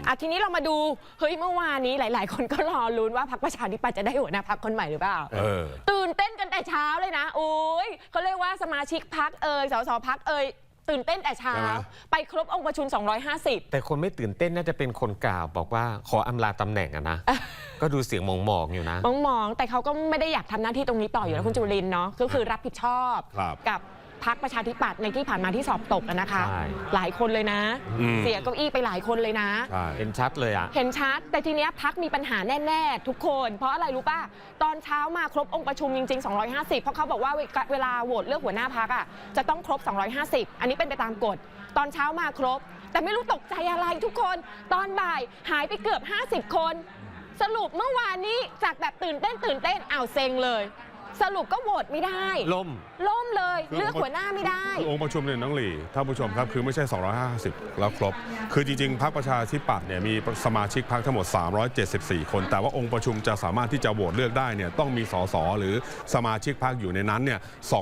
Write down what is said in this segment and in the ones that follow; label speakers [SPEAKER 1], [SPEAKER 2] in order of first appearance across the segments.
[SPEAKER 1] ทีนี้เรามาดูเฮ้ยเมื่อวานนี้หลายๆคนก็รอลุ้นว่าพรรคประชาธิปัตย์จะได้หัวหน้าพรรคคนใหม่หรือเปล่าตื่นเต้นกันแต่เช้าเลยนะโอ้ยเขาเรียกว่าสมาชิกพรรคสสพรรคตื่นเต้นแต่เช้าไปครบองค์ประชุม250
[SPEAKER 2] แต่คนไม่ตื่นเต้นน่าจะเป็นคนกล่าวบอกว่าขออำลาตำแหน่งนะ ก็ดูเสียงมองๆอยู่นะ
[SPEAKER 1] มองแต่เขาก็ไม่ได้อยากทำหน้าที่ตรงนี้ต่ออยู่แล้วคุณจุลินเนาะก็คือรับผิดชอบกับพรรคประชาธิปัตย์ในที่ผ่านมาที่สอบตกนะคะหลายคนเลยนะเสียเก้าอี้ไปหลายคนเลยนะ
[SPEAKER 2] เห็นชัดเลยเ
[SPEAKER 1] ห็นชัดแต่ทีเนี้ยพรรคมีปัญหาแน่ๆทุกคนเพราะอะไรรู้ป่ะตอนเช้ามาครบองค์ประชุมจริงๆ250เพราะเขาบอกว่าเวลาโหวตเลือกหัวหน้าพรรคจะต้องครบ250อันนี้เป็นไปตามกฎตอนเช้ามาครบแต่ไม่รู้ตกใจอะไรทุกคนตอนบ่ายหายไปเกือบ50คนสรุปเมื่อวานนี้จากแบบตื่นเต้นเซ็งเลยสรุปก็โหวตไม่ได้ล่มเลยเลือกหัวหน้าไม่ได้
[SPEAKER 3] องค์ประชุมเนี่ยน้องหลี่ท่านผู้ชมครับคือไม่ใช่250แล้วครบคือจริงๆพรรคประชาธิปัตย์เนี่ยมีสมาชิกพรรคทั้งหมด374คนแต่ว่าองค์ประชุมจะสามารถที่จะโหวตเลือกได้เนี่ยต้องมีสสหรือสมาชิกพรรคอยู่ในนั้นเนี่ย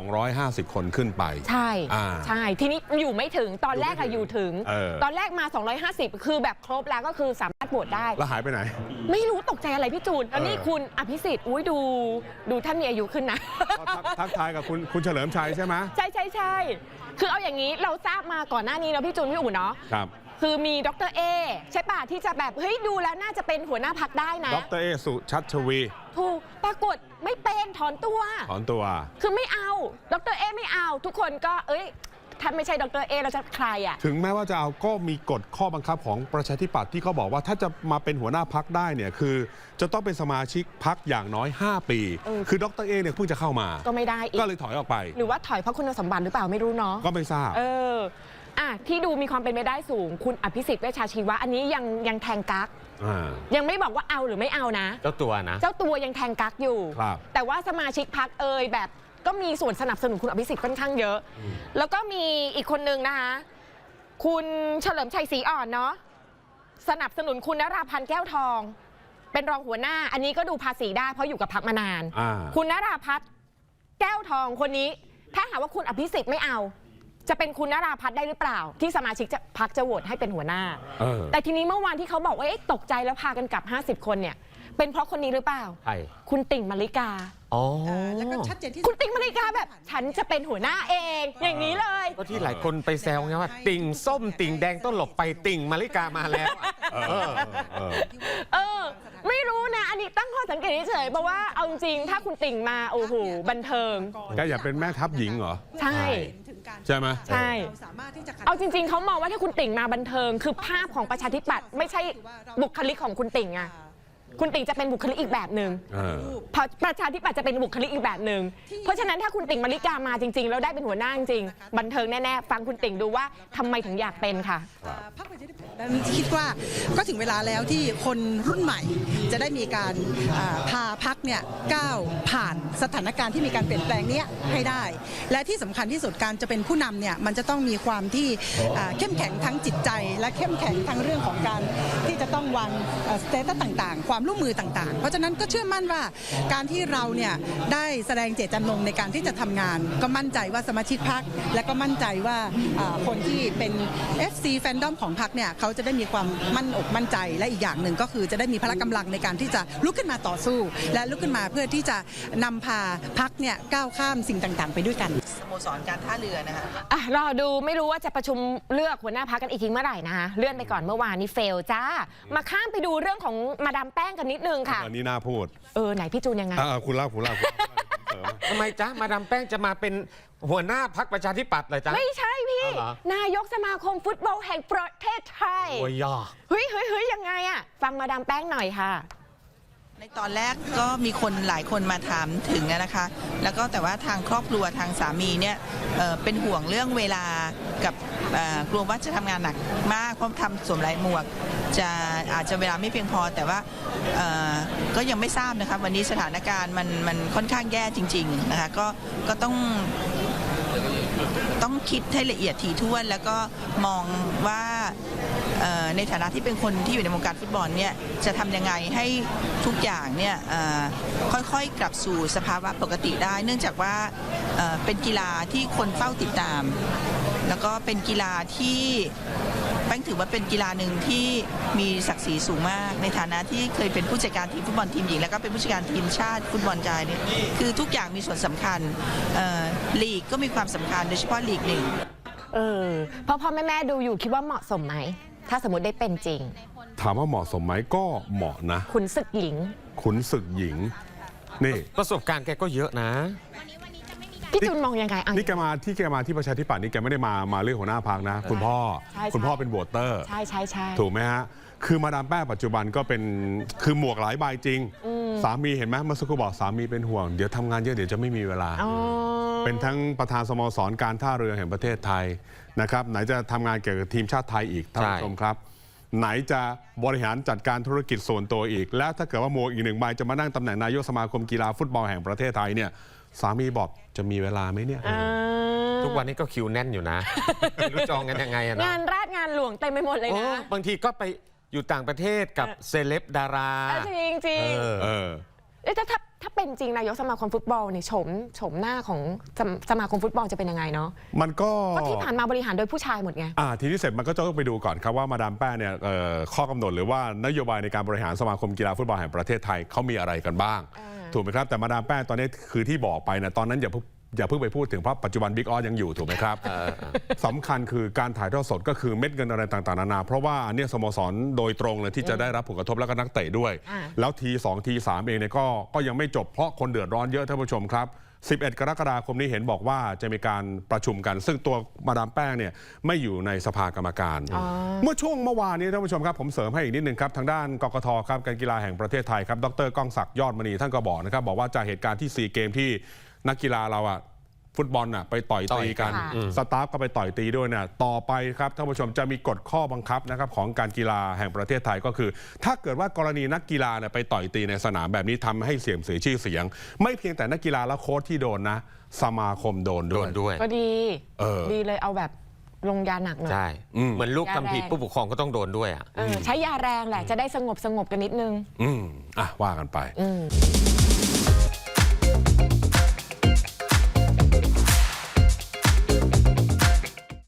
[SPEAKER 3] 250คนขึ้นไป
[SPEAKER 1] ใช่ทีนี้อยู่ไม่ถึงตอนแรกอยู่ถึงตอนแรกมา250คือแบบครบแล้วก็คือสามารถโหวตได้
[SPEAKER 3] แล้วหายไปไหน
[SPEAKER 1] ไม่รู้ตกใจอะไรพี่จูนแล้วนี่คุณอภิสิทธิ์ดูท่านมีอายุขึ้นนะ
[SPEAKER 3] ทักทายกับคุณเฉลิมชัยใช่ไหม
[SPEAKER 1] ใช่คือเอาอย่างนี้เราทราบมาก่อนหน้านี้เนาะพี่จูนพี่อู๋เนาะ
[SPEAKER 3] ครับ
[SPEAKER 1] คือมีดร.เอใช่ป่ะที่จะแบบเฮ้ยดูแล้วน่าจะเป็นหัวหน้าพรรคได้นะ
[SPEAKER 3] ดร.เอสุชัชวี
[SPEAKER 1] ถูกปรากฏไม่เป็นถอนตัวคือไม่เอาดร.เอไม่เอาทุกคนก็ท่านไม่ใช่ดร.เอเราจะใคร
[SPEAKER 3] ถึงแม้ว่าจะเอาก็มีกฎข้อบังคับของประชาธิปัตย์ที่เขาบอกว่าถ้าจะมาเป็นหัวหน้าพรรคได้เนี่ยคือจะต้องเป็นสมาชิกพรรคอย่างน้อย5ปีคือดร.เอเนี่ยเพิ่งจะเข้ามา
[SPEAKER 1] ก็ไม่ได้
[SPEAKER 3] ก็เลยถอยออกไป
[SPEAKER 1] หรือว่าถอยเพราะคุณสมบัติหรือเปล่าไม่รู้เนาะ
[SPEAKER 3] ก็ไม่ทราบ
[SPEAKER 1] ที่ดูมีความเป็นไปได้สูงคุณอภิสิทธิ์เวชชาชีวะอันนี้ยังแทงกั๊กยังไม่บอกว่าเอาหรือไม่เอานะ
[SPEAKER 2] เจ้าตัว
[SPEAKER 1] ยังแทงกั๊กอยู่แต่ว่าสมาชิกพรรคแบบก็มีส่วนสนับสนุนคุณอภิสิทธิ์ค่อนข้างเยอะแล้วก็มีอีกคนนึงนะคะคุณเฉลิมชัยศรีอ่อนเนาะสนับสนุนคุณนราพันธ์แก้วทองเป็นรองหัวหน้าอันนี้ก็ดูภาษีได้เพราะอยู่กับพรรคมานานคุณนราพัฒน์แก้วทองคนนี้ถ้าหากว่าคุณอภิสิทธิ์ไม่เอาจะเป็นคุณนราพัฒน์ได้หรือเปล่าที่สมาชิกพรรคจะโหวตให้เป็นหัวหน้าแต่ทีนี้เมื่อวานที่เขาบอกว่าตกใจแล้วพากันกลับ50คนเนี่ยเป็นเพราะคนนี้หรือเปล่าคุณติ่งมลิกา
[SPEAKER 4] แล้วก็ชัดเจนที่
[SPEAKER 1] คุณติ่งมลิกาแบบฉันจะเป็นหัวหน้าเองอย่างนี้เลย
[SPEAKER 2] ก็ที่หลายคนไปแซวไงว่าติ่งส้มติ่งแดงต้องหลบไปติ่งมลิกามาแล้ว
[SPEAKER 1] ไม่รู้นะอันนี้ตั้งข้อสังเกตเฉยเพราะว่าเอาจริงถ้าคุณติ่งมาโอ้โหบันเทิง
[SPEAKER 3] แกอยากเป็นแม่ทัพหญิงเหรอ
[SPEAKER 1] ใช่
[SPEAKER 3] ไหม
[SPEAKER 1] ใช่เอาจริงๆเขามองว่าถ้าคุณติ่งมาบันเทิงคือภาพของประชาธิปัตย์ไม่ใช่บุคลิกของคุณติ่งอะคุณติ่งจะเป็นบุคลิกอีกแบบหนึ่งประชาธิปัตย์จะเป็นบุคลิกอีกแบบหนึ่งเพราะฉะนั้นถ้าคุณติ่งมลิกามาจริงๆแล้วได้เป็นหัวหน้าจริงๆบันเทิงแน่ๆฟังคุณติ่งดูว่าทำไมถึงอยากเป็นค่ะ
[SPEAKER 4] คิดว่าก็ถึงเวลาแล้วที่คนรุ่นใหม่จะได้มีการพาพรรคเนี่ยก้าวผ่านสถานการณ์ที่มีการเปลี่ยนแปลงนี้ให้ได้และที่สำคัญที่สุดการจะเป็นผู้นำเนี่ยมันจะต้องมีความที่เข้มแข็งทั้งจิตใจและเข้มแข็งทั้งเรื่องของการที่จะต้องวางสเตตัสต่างๆความร่วมมือต่างๆเพราะฉะนั้นก็เชื่อมั่นว่าการที่เราเนี่ยได้แสดงเจตจำนงในการที่จะทำงานก็มั่นใจว่าสมาชิกพรรคและก็มั่นใจว่าคนที่เป็น FC แฟนดอมของพรรคเนี่ยเขาจะได้มีความมั่นอกมั่นใจและอีกอย่างหนึ่งก็คือจะได้มีพละกำลังในการที่จะลุกขึ้นมาต่อสู้และลุกขึ้นมาเพื่อที่จะนำพาพรรคเนี่ยก้าวข้ามสิ่งต่างๆไปด้วยกัน
[SPEAKER 5] สโมสรการท่าเรือนะคะ
[SPEAKER 1] รอดูไม่รู้ว่าจะประชุมเลือกหัวหน้าพรรคกันอีกทีเมื่อไหร่นะคะเลื่อนไปก่อนเมื่อวานนี้เฟลจ้ามาข้ามไปดูเรื่องของมาดามแป้งกันนิดนึงค่ะ
[SPEAKER 3] อันนี้น่าพูด
[SPEAKER 1] ไหนพี่จูนยังไง
[SPEAKER 3] คุณเล่า
[SPEAKER 2] ทำไมจ๊ะมาดามแป้งจะมาเป็นหัวหน้าพรรคประชาธิปัตย์เลยจ๊ะ
[SPEAKER 1] ไม่ใช่พี่นายกสมาคมฟุตบอลแห่งประเทศไทย
[SPEAKER 2] โอ้ย
[SPEAKER 1] เฮ้ยยังไงฟังมาดามแป้งหน่อยค่ะ
[SPEAKER 5] ในตอนแรกก็มีคนหลายคนมาถามถึงนะคะแล้วก็แต่ว่าทางครอบครัวทางสามีเนี่ยเป็นห่วงเรื่องเวลากับกลัวว่าจะทำงานหนักมากเพราะทำสวมหลายหมวกอาจจะเวลาไม่เพียงพอแต่ว่าก็ยังไม่ทราบนะคะวันนี้สถานการณ์มันค่อนข้างแย่จริงๆนะคะก็ต้องคิดให้ละเอียดถี่ถ้วนแล้วก็มองว่าในฐานะที่เป็นคนที่อยู่ในวงการฟุตบอลเนี่ยจะทำยังไงให้ทุกอย่างเนี่ยค่อยๆกลับสู่สภาวะปกติได้เนื่องจากว่าเป็นกีฬาที่คนเฝ้าติดตามแล้วก็เป็นกีฬาที่แป้งถือว่าเป็นกีฬาหนึ่งที่มีศักดิ์ศรีสูงมากในฐานะที่เคยเป็นผู้จัดการทีมฟุตบอลทีมหญิงแล้วก็เป็นผู้จัดการทีมชาติฟุตบอลชายเนี่ยคือทุกอย่างมีส่วนสำคัญลีกก็มีความสำคัญโดยเฉพาะลีกหนึ่ง
[SPEAKER 1] พ่อแม่ดูอยู่คิดว่าเหมาะสมไหมถ้าสมมติได้เป็นจริง
[SPEAKER 3] ถามว่าเหมาะสมไหมก็เหมาะนะ
[SPEAKER 1] ขุนศึกหญิง
[SPEAKER 3] นี่
[SPEAKER 2] ประสบการณ์แกก็เยอะนะ
[SPEAKER 1] พี่จูนมองยังไง
[SPEAKER 3] นี่แกมาที่ประชาธิปัตย์นี่แกไม่ได้มาเรื่องหัวหน้าพรรคนะคุณพ่อเป็นโหวตเตอร์
[SPEAKER 1] ใช่
[SPEAKER 3] ถูกไหมฮะคือมาดามแป้งปัจจุบันก็เป็นคือหมวกหลายใบจริงสามีเห็นไหมเมื่อสักครู่บอกสามีเป็นห่วงเดี๋ยวทำงานเยอะเดี๋ยวจะไม่มีเวลาเป็นทั้งประธานสโมสรการท่าเรือแห่งประเทศไทยนะครับไหนจะทำงานเกี่ยวกับทีมชาติไทยอีกท่านผู้ชมครับไหนจะบริหารจัดการธุรกิจส่วนตัวอีกแล้วถ้าเกิดว่าหมวกอีก1 ใบจะมานั่งตำแหน่งนายกสมาคมกีฬาฟุตบอลแห่งประเทศไทยเนี่ยสามีบอกจะมีเวลาไหมเนี่ย
[SPEAKER 2] ทุกวันนี้ก็คิวแน่นอยู่นะไม่รู้จองกันยังไงนะ
[SPEAKER 1] งานราชงานหลวงเต็มไปหมดเลยนะ
[SPEAKER 2] บางทีก็ไปอยู่ต่างประเทศกับเซเลบดารา
[SPEAKER 1] จริงถ้าเป็นจริงนายกสมาคมฟุตบอลเนี่ยโฉมหน้าของสมาคมฟุตบอลจะเป็นยังไงเนาะ
[SPEAKER 3] มันก็
[SPEAKER 1] ที่ผ่านมาบริหารโดยผู้ชายหมดไง
[SPEAKER 3] ทีนี้เสร็จมันก็จะต้องไปดูก่อนครับว่ามาดามแป้งเนี่ยข้อกำหนดหรือว่านโยบายในการบริหารสมาคมกีฬาฟุตบอลแห่งประเทศไทยเขามีอะไรกันบ้างถูกไหมครับแต่มาดามแป้งตอนนี้คือที่บอกไปนะตอนนั้นอย่าเพิ่งไปพูดถึงเพราะปัจจุบันบิ๊กออสยังอยู่ถูกไหมครับสำคัญคือการถ่ายทอดสดก็คือเม็ดเงินอะไรต่างๆนานาเพราะว่าอันนี้สโมสรโดยตรงเลยที่จะได้รับผลกระทบแล้วก็นักเตะด้วยแล้วที 2 ที 3เองเนี่ยก็ยังไม่จบเพราะคนเดือดร้อนเยอะท่านผู้ชมครับ11 กรกฎาคมนี้เห็นบอกว่าจะมีการประชุมกันซึ่งตัวมาดามแป้งเนี่ยไม่อยู่ในสภากรรมการเมื่อวานนี้ท่านผู้ชมครับผมเสริมให้อีกนิดนึงครับทางด้านกกทครับการกีฬาแห่งประเทศไทยครับดร.ก้องศักดิ์ยอดมณีท่านก็บอกนะครับบอกว่าจากเหตุการณ์ที่4 เกมที่นักกีฬาเราฟุตบอลไปต่อยตีกันสตาฟก็ไปต่อยตีด้วยเนี่ยต่อไปครับท่านผู้ชมจะมีกฎข้อบังคับนะครับของการกีฬาแห่งประเทศไทยก็คือถ้าเกิดว่ากรณีนักกีฬาไปต่อยตีในสนามแบบนี้ทำให้เสื่อมเสียชื่อเสียงไม่เพียงแต่นักกีฬาและโค้ชที่โดนนะสมาคมโดนด้วย
[SPEAKER 1] ก็ดีดีเลยเอาแบบลงยาหนักหน่อย
[SPEAKER 2] ใช่เหมือนลูกทำผิดผู้ปกครองก็ต้องโดนด้วย
[SPEAKER 1] ใช้ยาแรงแหละจะได้สงบกันนิดนึง
[SPEAKER 3] ว่ากันไป